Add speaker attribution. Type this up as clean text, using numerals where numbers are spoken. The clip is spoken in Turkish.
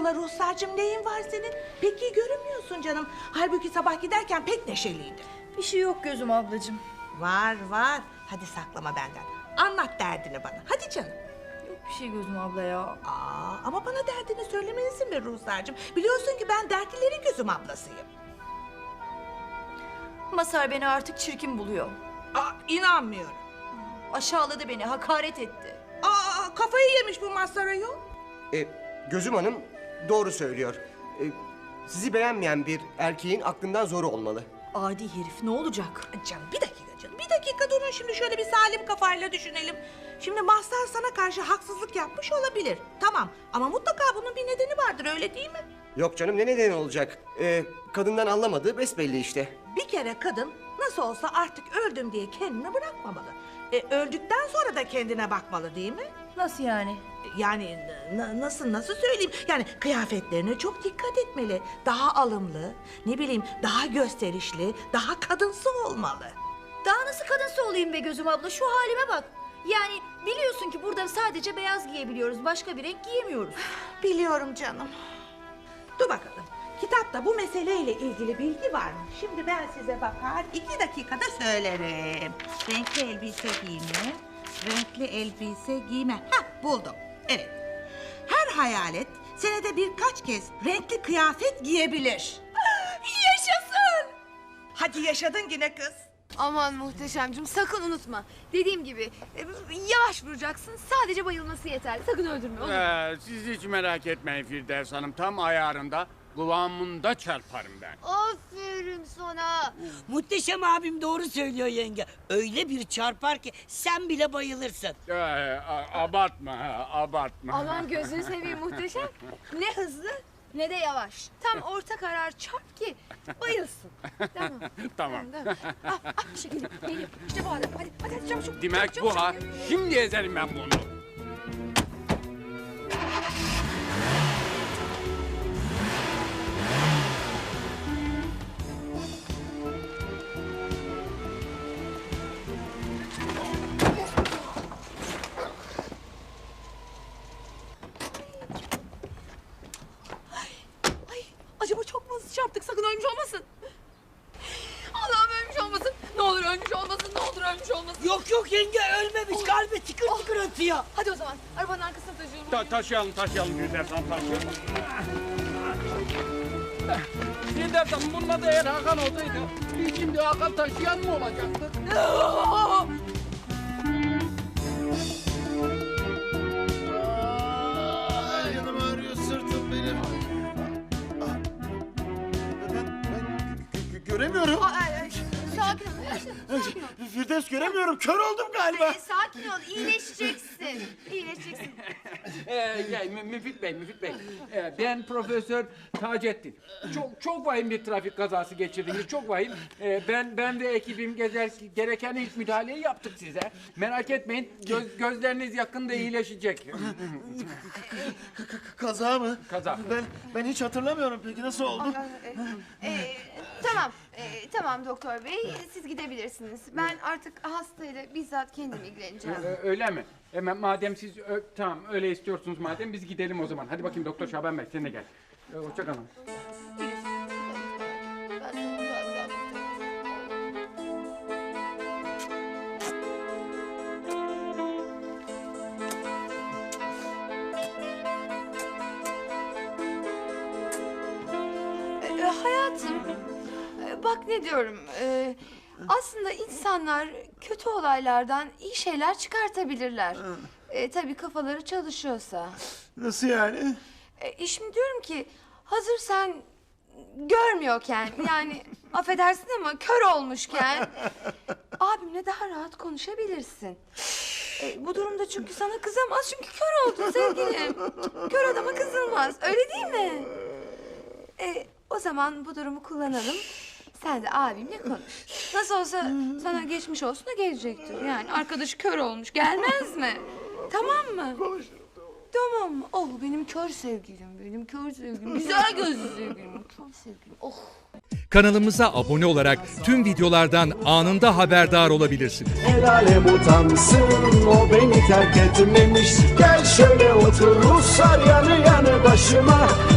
Speaker 1: Hayrola Ruhsar'cığım, neyin var senin? Pek iyi görünmüyorsun canım. Halbuki sabah giderken pek neşeliydin.
Speaker 2: Bir şey yok gözüm ablacığım.
Speaker 1: Var var. Hadi saklama benden. Anlat derdini bana. Hadi canım.
Speaker 2: Yok bir şey gözüm abla ya.
Speaker 1: Ama bana derdini söylemelisin be Ruhsar'cığım. Biliyorsun ki ben dertlilerin gözüm ablasıyım.
Speaker 2: Mazhar beni artık çirkin buluyor.
Speaker 1: İnanmıyorum.
Speaker 2: Aşağıladı beni, hakaret etti.
Speaker 1: Kafayı yemiş bu Mazhar ayol.
Speaker 3: Gözüm Hanım doğru söylüyor. Sizi beğenmeyen bir erkeğin aklından zoru olmalı.
Speaker 2: Adi herif, ne olacak?
Speaker 1: Canım bir dakika canım. Bir dakika durun, şimdi şöyle bir salim kafayla düşünelim. Şimdi Mazhar sana karşı haksızlık yapmış olabilir. Tamam, ama mutlaka bunun bir nedeni vardır, öyle değil mi?
Speaker 3: Yok canım, ne nedeni olacak? Kadından anlamadığı besbelli işte.
Speaker 1: Bir kere kadın nasıl olsa artık öldüm diye kendini bırakmamalı. Öldükten sonra da kendine bakmalı, değil mi?
Speaker 2: Nasıl yani?
Speaker 1: Yani nasıl söyleyeyim? Yani kıyafetlerine çok dikkat etmeli. Daha alımlı, ne bileyim daha gösterişli, daha kadınsı olmalı.
Speaker 2: Daha nasıl kadınsı olayım be gözüm abla, şu halime bak. Yani biliyorsun ki burada sadece beyaz giyebiliyoruz, başka bir renk giyemiyoruz.
Speaker 1: Biliyorum canım. Dur bakalım. Kitapta bu meseleyle ilgili bilgi var mı? Şimdi ben size bakar 2 dakikada söylerim. Renkli elbise giyme, renkli elbise giyme. Buldum. Evet. Her hayalet senede birkaç kez renkli kıyafet giyebilir.
Speaker 2: Yaşasın!
Speaker 1: Hadi yaşadın yine kız.
Speaker 4: Aman muhteşemcim, sakın unutma. Dediğim gibi yavaş vuracaksın, sadece bayılması yeterli. Sakın öldürme, olur.
Speaker 5: Siz hiç merak etmeyin Firdevs Hanım. Tam ayarında, kıvamında çarparım ben.
Speaker 4: Aferin sana.
Speaker 6: Muhteşem abim doğru söylüyor yenge. Öyle bir çarpar ki sen bile bayılırsın.
Speaker 5: Abartma, abartma.
Speaker 4: Aman gözünü seveyim muhteşem. Ne hızlı ne de yavaş. Tam orta karar çarp ki bayılsın. Tamam.
Speaker 5: Tamam.
Speaker 4: İşte geliyor. İşte bu adam. Hadi çabuk.
Speaker 5: Demek bu ha. Şimdi ezerim ben bunu.
Speaker 4: Acaba çok mu hızlı çarptık? Sakın ölmüş olmasın. Allah'ım ölmüş olmasın. Ne olur ölmüş olmasın. Ne olur ölmüş olmasın.
Speaker 6: Yok yenge ölmemiş. Kalbi tıkır tıkır atıyor.
Speaker 4: Hadi o zaman arabanın arkasına taşıyorum.
Speaker 5: Taşıyalım Firdevs Hanım, taşıyalım. Firdevs Hanım, bunun adı eğer Hakan olsaydı, biz şimdi Hakan taşıyan mı olacaktık?
Speaker 7: Yanım ağrıyor, sırtım benim. Ben göremiyorum.
Speaker 4: Sakin ol.
Speaker 7: Firdevs, göremiyorum. Kör oldum galiba.
Speaker 4: Sakin ol. İyileşeceksin. İyileşeceksin.
Speaker 5: Müfit Bey. Ben Profesör Taceddin. Çok vahim bir trafik kazası geçirdiniz, çok vahim. Ben ve ekibim gereken ilk müdahaleyi yaptık size. Merak etmeyin, gözleriniz yakında iyileşecek.
Speaker 7: Kaza mı?
Speaker 5: Kaza.
Speaker 7: Ben hiç hatırlamıyorum. Peki nasıl oldu?
Speaker 4: Tamam doktor bey, siz gidebilirsiniz. Ben artık hastayla bizzat kendim ilgileneceğim.
Speaker 5: Öyle mi? Madem siz tamam öyle istiyorsunuz madem, biz gidelim o zaman. Hadi bakayım Doktor Şaban Bey, sen de gel. Hoşça kalın.
Speaker 4: Hayatım, bak ne diyorum. Aslında insanlar kötü olaylardan iyi şeyler çıkartabilirler. Tabii kafaları çalışıyorsa.
Speaker 7: Nasıl yani?
Speaker 4: Şimdi diyorum ki hazır sen görmüyorken yani affedersin ama kör olmuşken abimle daha rahat konuşabilirsin. Bu durumda çünkü sana kızamaz çünkü kör oldun sevgilim. Kör adama kızılmaz, öyle değil mi? O zaman bu durumu kullanalım. Sen de abimle konuş. Nasıl olsa sana geçmiş olsun da gelecektir. Yani arkadaşı kör olmuş, gelmez mi? Tamam mı?
Speaker 7: Konuşurum.
Speaker 4: Tamam mı? Oh benim kör sevgilim, güzel gözlü sevgilim, kör sevgilim. Oh.
Speaker 8: Kanalımıza abone olarak tüm videolardan anında haberdar olabilirsiniz.
Speaker 9: El alem utansın, o beni terk etmemiş. Gel şöyle otur Ruslar yanı yanı başıma.